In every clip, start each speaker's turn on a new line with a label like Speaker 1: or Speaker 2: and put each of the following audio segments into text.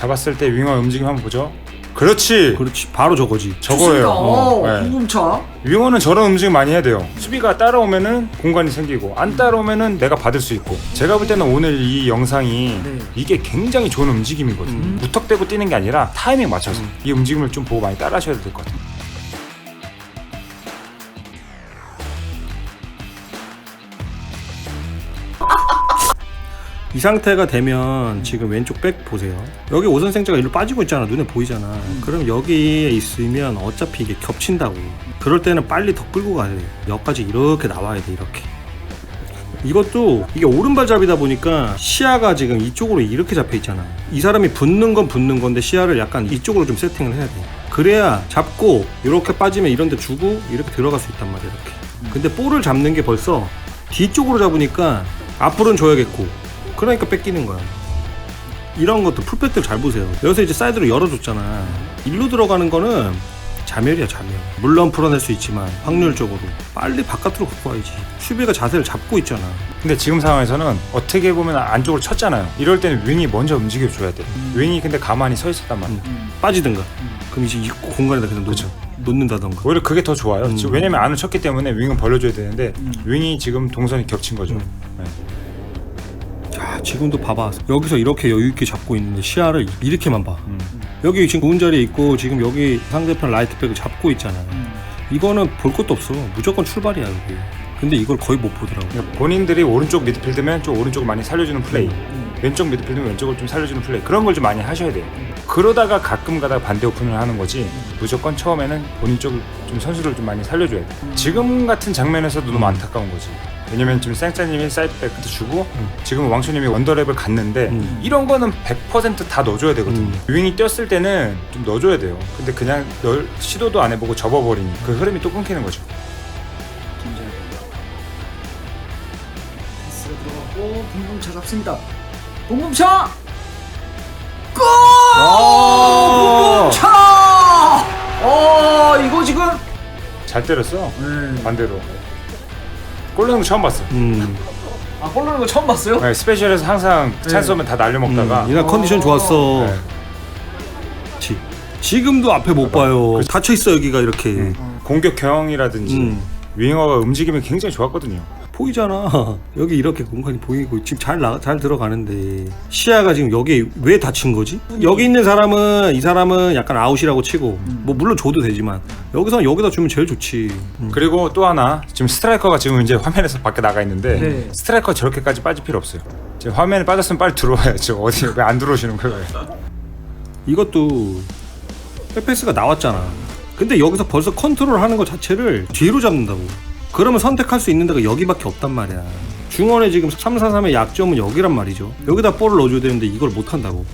Speaker 1: 잡았을 때 윙어 움직임 한번 보죠. 그렇지.
Speaker 2: 바로 저거지.
Speaker 1: 저거예요.
Speaker 3: 네. 궁금차.
Speaker 1: 윙어는 저런 움직임 많이 해야 돼요. 수비가 따라오면은 공간이 생기고 안 따라오면은 내가 받을 수 있고. 제가 볼 때는 오늘 이 영상이 이게 굉장히 좋은 움직임이거든요. 무턱대고 뛰는 게 아니라 타이밍 맞춰서 이 움직임을 좀 보고 많이 따라 하셔야 될 것 같아요.
Speaker 2: 이 상태가 되면 지금 왼쪽 백 보세요. 여기 오선생자가 일로 빠지고 있잖아. 눈에 보이잖아. 그럼 여기에 있으면 어차피 이게 겹친다고. 그럴 때는 빨리 더 끌고 가야 돼. 여기까지 이렇게 나와야 돼. 이렇게. 이것도 이게 오른발잡이다 보니까 시야가 지금 이쪽으로 이렇게 잡혀 있잖아. 이 사람이 붙는 건 붙는 건데 시야를 약간 이쪽으로 좀 세팅을 해야 돼. 그래야 잡고 이렇게 빠지면 이런 데 주고 이렇게 들어갈 수 있단 말이야. 이렇게. 근데 볼을 잡는 게 벌써 뒤쪽으로 잡으니까 앞으로는 줘야겠고, 그러니까 뺏기는 거야. 이런 것도 풀백들 잘 보세요. 여기서 이제 사이드로 열어줬잖아. 일로 들어가는 거는 자멸이야, 자멸. 물론 풀어낼 수 있지만 확률적으로 빨리 바깥으로 갖고 와야지. 수비가 자세를 잡고 있잖아.
Speaker 1: 근데 지금 상황에서는 어떻게 보면 안쪽으로 쳤잖아요. 이럴 때는 윙이 먼저 움직여줘야 돼. 윙이 근데 가만히 서 있었단 말이야.
Speaker 2: 빠지든가. 그럼 이제 이 공간에다 그냥 놓는다던가.
Speaker 1: 오히려 그게 더 좋아요. 지금 왜냐면 안을 쳤기 때문에 윙은 벌려줘야 되는데 윙이 지금 동선이 겹친 거죠. 네.
Speaker 2: 자, 지금도 봐봐. 여기서 이렇게 여유있게 잡고 있는데 시야를 이렇게만 봐. 여기 지금 좋은 자리에 있고 지금 여기 상대편 라이트백을 잡고 있잖아. 이거는 볼 것도 없어. 무조건 출발이야 여기. 근데 이걸 거의 못 보더라고.
Speaker 1: 그러니까 본인들이 오른쪽 미드필드면 좀 오른쪽을 많이 살려주는 플레이, 왼쪽 미드필드면 왼쪽을 좀 살려주는 플레이, 그런 걸 좀 많이 하셔야 돼요. 그러다가 가끔 가다가 반대 오픈을 하는 거지, 무조건 처음에는 본인 쪽을 좀 선수를 좀 많이 살려줘야 돼. 지금 같은 장면에서도 너무 안타까운 거지. 왜냐면 지금 쌩짜님이 사이드백도 주고 지금 왕초님이 원더랩을 갔는데 이런 거는 100% 다 넣어줘야 되거든. 윙이 뛰었을 때는 좀 넣어줘야 돼요. 근데 그냥 시도도 안 해보고 접어버리니 그 흐름이 또 끊기는 거죠.
Speaker 3: 패스가 들어갔고 붕붕차 잡습니다. 붕붕차! 골! 붕붕차! 이거 지금
Speaker 1: 잘 때렸어. 반대로. 골 넣는 거 처음 봤어.
Speaker 3: 골 넣는 거 처음 봤어요?
Speaker 1: 네, 스페셜에서 항상 찬스 오면 다 날려먹다가
Speaker 2: 이날 컨디션 좋았어.
Speaker 1: 네.
Speaker 2: 지금도 앞에 못 봐요. 닫혀 있어 여기가 이렇게.
Speaker 1: 공격형이라든지 윙어가 움직임이 굉장히 좋았거든요.
Speaker 2: 보이잖아. 여기 이렇게 공간이 보이고 지금 잘 들어가는데 시야가 지금 여기 왜 닫힌 거지? 여기 있는 사람은, 이 사람은 약간 아웃이라고 치고 뭐 물론 줘도 되지만 여기다 주면 제일 좋지.
Speaker 1: 그리고 또 하나, 지금 스트라이커가 지금 이제 화면에서 밖에 나가 있는데
Speaker 3: 네.
Speaker 1: 스트라이커 저렇게까지 빠질 필요 없어요. 지금 화면에 빠졌으면 빨리 들어와야죠. 어디 왜 안 들어오시는 거예요?
Speaker 2: 이것도 백패스가 나왔잖아. 근데 여기서 벌써 컨트롤하는 것 자체를 뒤로 잡는다고. 그러면 선택할 수 있는 데가 여기밖에 없단 말이야. 중원에 지금 3-4-3의 약점은 여기란 말이죠. 여기다 볼을 넣어줘야 되는데 이걸 못한다고.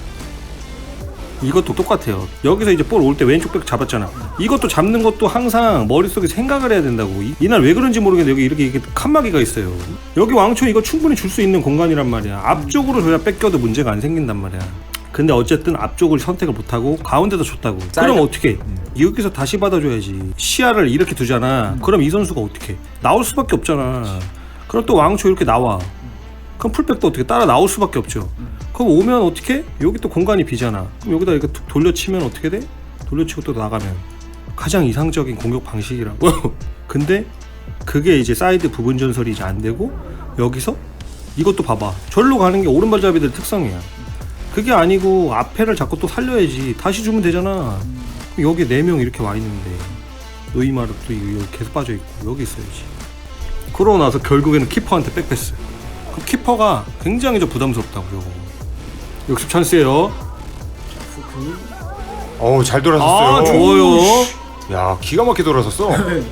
Speaker 2: 이것도 똑같아요. 여기서 이제 볼 올 때 왼쪽 백 잡았잖아. 이것도 잡는 것도 항상 머릿속에 생각을 해야 된다고. 이날 왜 그런지 모르겠는데 여기 이렇게 칸막이가 있어요. 여기 왕초 이거 충분히 줄 수 있는 공간이란 말이야. 앞쪽으로 줘야 뺏겨도 문제가 안 생긴단 말이야. 근데 어쨌든 앞쪽을 선택을 못하고 가운데다 줬다고. 그럼 어떻게? 여기서 다시 받아줘야지. 시야를 이렇게 두잖아. 그럼 이 선수가 어떻게? 나올 수밖에 없잖아. 그럼 또 왕초 이렇게 나와. 그럼 풀백도 어떻게 따라 나올 수밖에 없죠. 그럼 오면 어떻게? 여기 또 공간이 비잖아. 그럼 여기다 이렇게 툭 돌려치면 어떻게 돼? 돌려치고 또 나가면 가장 이상적인 공격 방식이라고. 근데 그게 이제 사이드 부분 전설이 이제 안 되고 여기서 이것도 봐봐. 절로 가는 게 오른발잡이들 특성이야. 그게 아니고 앞에를 자꾸 또 살려야지. 다시 주면 되잖아. 여기 4명 이렇게 와 있는데 노이마르도 여기 계속 빠져 있고 여기 있어야지. 그러고 나서 결국에는 키퍼한테 백패스. 그럼 키퍼가 굉장히 좀 부담스럽다고. 요거 역습 찬스예요.
Speaker 1: 어우, 잘 돌아섰어요.
Speaker 2: 아, 좋아요.
Speaker 1: 야, 기가 막히게 돌아섰어.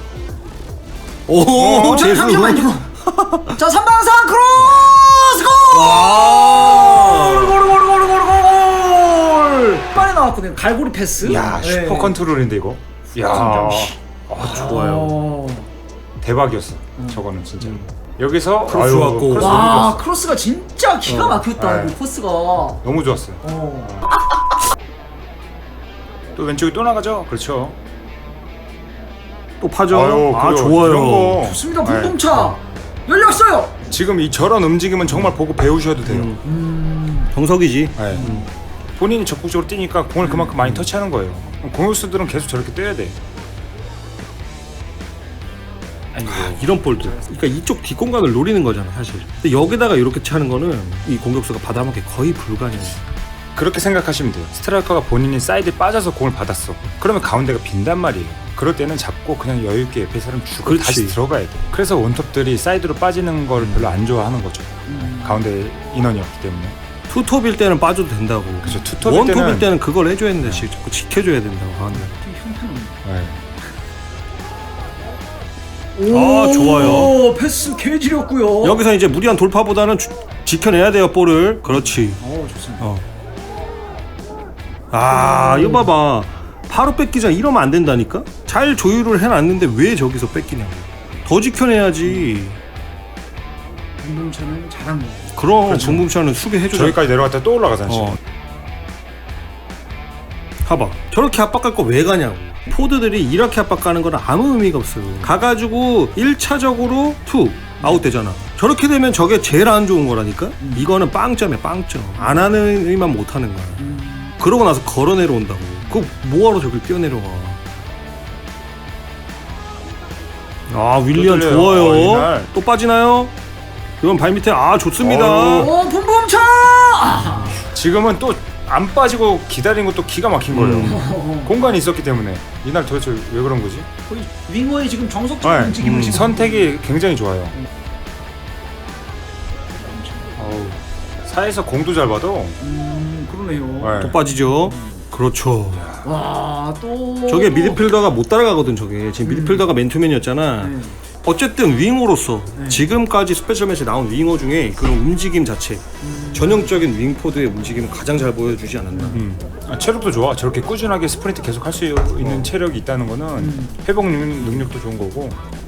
Speaker 2: 오, 재수.
Speaker 3: 잠시만요. 자, 3방상 크로스 골! 골! 빨리 나왔거든요. 갈고리 패스.
Speaker 1: 야, 슈퍼 컨트롤인데 이거. 야, 좋아요. 대박이었어. 저거는 진짜. 여기서
Speaker 2: 크로스 왔고.
Speaker 1: 크로스
Speaker 3: 와,
Speaker 1: 너무 좋았어.
Speaker 3: 크로스가 진짜 기가 막혔다.
Speaker 1: 네.
Speaker 3: 이 코스가.
Speaker 1: 너무 좋았어요. 또 왼쪽이 또 나가죠. 그렇죠.
Speaker 2: 또 파죠.
Speaker 1: 아유,
Speaker 2: 아,
Speaker 1: 이런
Speaker 2: 좋아요.
Speaker 1: 거.
Speaker 3: 좋습니다. 분동차 열렸어요.
Speaker 1: 지금 이 저런 움직임은 정말 보고 배우셔도 돼요.
Speaker 2: 정석이지.
Speaker 1: 네. 본인이 적극적으로 뛰니까 공을 그만큼 많이 터치하는 거예요. 공격수들은 계속 저렇게 뛰어야 돼.
Speaker 2: 이런 볼들. 그러니까 이쪽 뒷공간을 노리는 거잖아 사실. 근데 여기다가 이렇게 차는 거는 이 공격수가 받아먹기 거의 불가능해.
Speaker 1: 그렇게 생각하시면 돼요. 스트라이커가 본인이 사이드에 빠져서 공을 받았어. 그러면 가운데가 빈단 말이에요. 그럴 때는 잡고 그냥 여유있게 옆에 사람 주고
Speaker 2: 그렇지.
Speaker 1: 다시 들어가야 돼. 그래서 원톱들이 사이드로 빠지는 걸 별로 안 좋아하는 거죠. 가운데 인원이 없기 때문에.
Speaker 2: 투톱일 때는 빠져도 된다고.
Speaker 1: 그렇죠. 투톱일
Speaker 2: 원톱일 때는 그걸 해줘야 된다. 자꾸 지켜줘야 된다고 가운데.
Speaker 1: 네.
Speaker 2: 아, 좋아요.
Speaker 3: 오, 패스 개지렸고요.
Speaker 2: 여기서 이제 무리한 돌파보다는 지켜내야 돼요 볼을. 그렇지.
Speaker 3: 오, 좋습니다.
Speaker 2: 아 이거 봐봐. 바로 뺏기자 이러면 안 된다니까. 잘 조율을 해놨는데 왜 저기서 뺏기냐고. 더 지켜내야지.
Speaker 3: 김동찬은 잘한 거.
Speaker 2: 그럼 정봉찬은 수비해줘.
Speaker 1: 저기까지 내려갔다 또 올라가잖아. 지금.
Speaker 2: 봐봐. 저렇게 압박할 거 왜 가냐고. 포드들이 이렇게 압박가는 건 아무 의미가 없어요. 가가지고 1차적으로 아웃 되잖아. 저렇게 되면 저게 제일 안 좋은 거라니까. 이거는 빵점이야 빵점. 안 하는 의미만 못 하는 거야. 그러고 나서 걸어 내려온다고. 그거 뭐하러 저길 뛰어내려와. 아 윌리안
Speaker 1: 또 들려요.
Speaker 2: 좋아요.
Speaker 1: 이날.
Speaker 2: 또 빠지나요? 이건 발밑에 좋습니다.
Speaker 3: 오, 붐붐차!
Speaker 1: 지금은 또 안 빠지고 기다린 것도 기가 막힌 거예요. 공간이 있었기 때문에. 이날 도대체 왜 그런 거지?
Speaker 3: 거의 윙어의 지금 정석적인 움직임을 지금
Speaker 1: 선택이 굉장히 좋아요. 사이에서 공도 잘 받아.
Speaker 3: 그러네요.
Speaker 1: 네.
Speaker 2: 또 빠지죠. 그렇죠.
Speaker 3: 와, 또
Speaker 2: 저게 미드필더가 못 따라가거든. 저게 지금 미드필더가 맨투맨이었잖아.
Speaker 3: 네.
Speaker 2: 어쨌든 윙어로서 지금까지 스페셜 매치에 나온 윙어 중에 그런 움직임 자체 전형적인 윙포드의 움직임을 가장 잘 보여주지 않았나.
Speaker 1: 체력도 좋아. 저렇게 꾸준하게 스프린트 계속 할 수 있는 체력이 있다는 거는 회복 능력도 좋은 거고.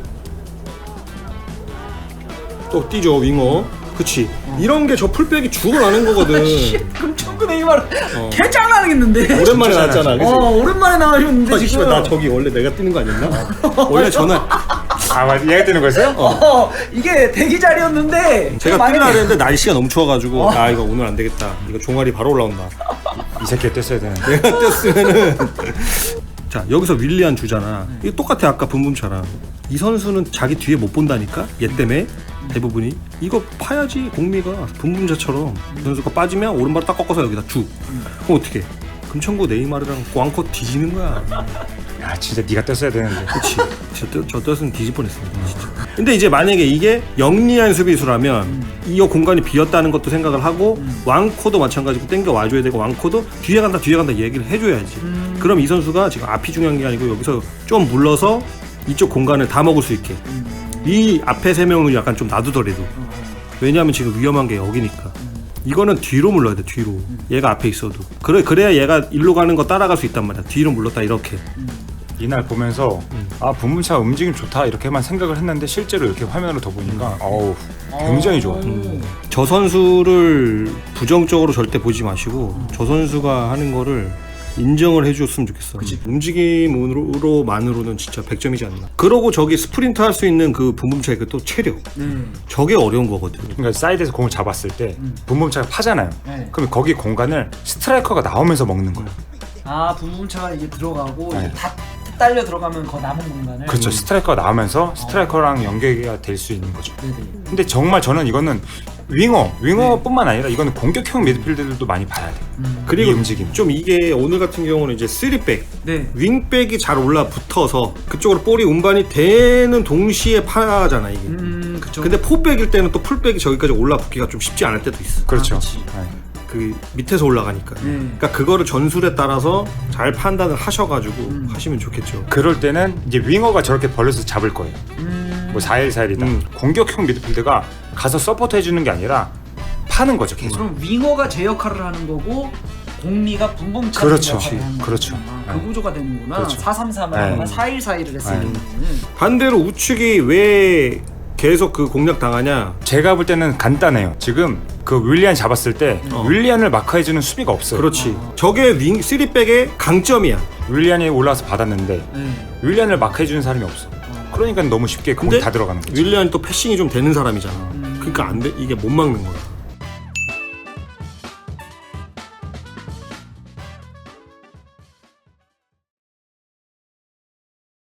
Speaker 2: 또 뛰죠 윙어. 그치. 이런 게 저 풀백이 죽어나는 거거든.
Speaker 3: 금천구 네이마르 개장난하겠는데.
Speaker 2: 오랜만에 나왔잖아. 그치?
Speaker 3: 오랜만에 나가셨는데 지금.
Speaker 2: 씨발, 나 저기 원래 내가 뛰는 거 아니었나? 원래 저는
Speaker 1: 맞아. 얘가 뛰는 거였어요?
Speaker 3: 이게 대기 자리였는데
Speaker 2: 제가 뛰려고 했는데 날씨가 너무 추워가지고 아 이거 오늘 안 되겠다. 이거 종아리 바로 올라온다.
Speaker 1: 이 새끼가 뗐어야 되는데.
Speaker 2: 내가 뛰었으면은 자 여기서 윌리안 주잖아. 이거 똑같아 아까 붐붐처럼. 이 선수는 자기 뒤에 못 본다니까 얘 때문에 대부분이 이거 파야지. 공미가 붐붐자처럼 이 선수가 빠지면 오른발 딱 꺾어서 여기다 주. 그럼 어떻게? 금천구 네이마르랑 꽝코 뒤지는 거야.
Speaker 1: 야 진짜 네가 뗐어야 되는데.
Speaker 2: 그치. 저 뜻은 뒤질 뻔했습니다 진짜. 근데 이제 만약에 이게 영리한 수비수라면 이 공간이 비었다는 것도 생각을 하고 왕코도 마찬가지고 땡겨 와줘야 되고 왕코도 뒤에 간다 얘기를 해줘야지. 그럼 이 선수가 지금 앞이 중요한 게 아니고 여기서 좀 물러서 이쪽 공간을 다 먹을 수 있게 이 앞에 세 명은 약간 좀 놔두더라도. 왜냐하면 지금 위험한 게 여기니까. 이거는 뒤로 물러야 돼. 뒤로. 얘가 앞에 있어도 그래야 얘가 일로 가는 거 따라갈 수 있단 말이야. 뒤로 물렀다 이렇게.
Speaker 1: 이날 보면서 분문차 움직임 좋다 이렇게만 생각을 했는데 실제로 이렇게 화면으로 더 보니까 굉장히 좋아.
Speaker 2: 저 선수를 부정적으로 절대 보지 마시고 저 선수가 하는 거를 인정을 해줬으면 좋겠어. 움직임으로만으로는 진짜 100점이지 않나. 그러고 저기 스프린트 할 수 있는 그 붐붐차의 그 또 체력. 저게 어려운 거거든.
Speaker 1: 그러니까 사이드에서 공을 잡았을 때 분문차가 파잖아요.
Speaker 3: 네.
Speaker 1: 그럼 거기 공간을 스트라이커가 나오면서 먹는 거야.
Speaker 3: 붐붐차가 이제 들어가고
Speaker 1: 네.
Speaker 3: 이제 다 딸려 들어가면 그 남은 공간을.
Speaker 1: 그렇죠. 스트라이커가 나오면서 스트라이커랑 연계가 될 수 있는 거죠.
Speaker 3: 네네.
Speaker 1: 근데 정말 저는 이거는 윙어뿐만 아니라 이거는 공격형 미드필더들도 많이 봐야 돼.
Speaker 2: 그리고
Speaker 1: 이 움직임.
Speaker 2: 좀 이게 오늘 같은 경우는 이제 3백
Speaker 3: 네.
Speaker 2: 윙백이 잘 올라붙어서 그쪽으로 볼이 운반이 되는 동시에 파잖아 이게.
Speaker 3: 그쵸.
Speaker 2: 근데 포백일 때는 또 풀백이 저기까지 올라붙기가 좀 쉽지 않을 때도 있어.
Speaker 1: 그렇죠.
Speaker 3: 그치.
Speaker 1: 네.
Speaker 2: 그 밑에서 올라가니까. 그러니까 그거를 전술에 따라서 잘 판단을 하셔가지고 하시면 좋겠죠.
Speaker 1: 그럴 때는 이제 윙어가 저렇게 벌려서 잡을 거예요. 뭐 4-1-4-1이다. 공격형 미드필더가 가서 서포트 해주는 게 아니라 파는 거죠 계속.
Speaker 3: 그럼 윙어가 제 역할을 하는 거고 공미가 붐붐차
Speaker 1: 그렇죠.
Speaker 3: 역할을 하는
Speaker 1: 그렇죠.
Speaker 3: 거구나. 그 구조가 되는구나.
Speaker 1: 그렇죠.
Speaker 3: 4-3-3을
Speaker 1: 네.
Speaker 3: 4-1-4-1을 했을 때는.
Speaker 2: 반대로 우측이 왜 계속 그 공략 당하냐?
Speaker 1: 제가 볼 때는 간단해요. 지금 그 윌리안 잡았을 때 윌리안을 마크해주는 수비가 없어요.
Speaker 2: 그렇지. 저게 윙 3백의 강점이야.
Speaker 1: 윌리안이 올라와서 받았는데
Speaker 3: 네.
Speaker 1: 윌리안을 마크해주는 사람이 없어. 그러니까 너무 쉽게 공이 다 들어가는 거지.
Speaker 2: 윌리안이 또 패싱이 좀 되는 사람이잖아. 그러니까 안 돼. 이게 못 막는 거야.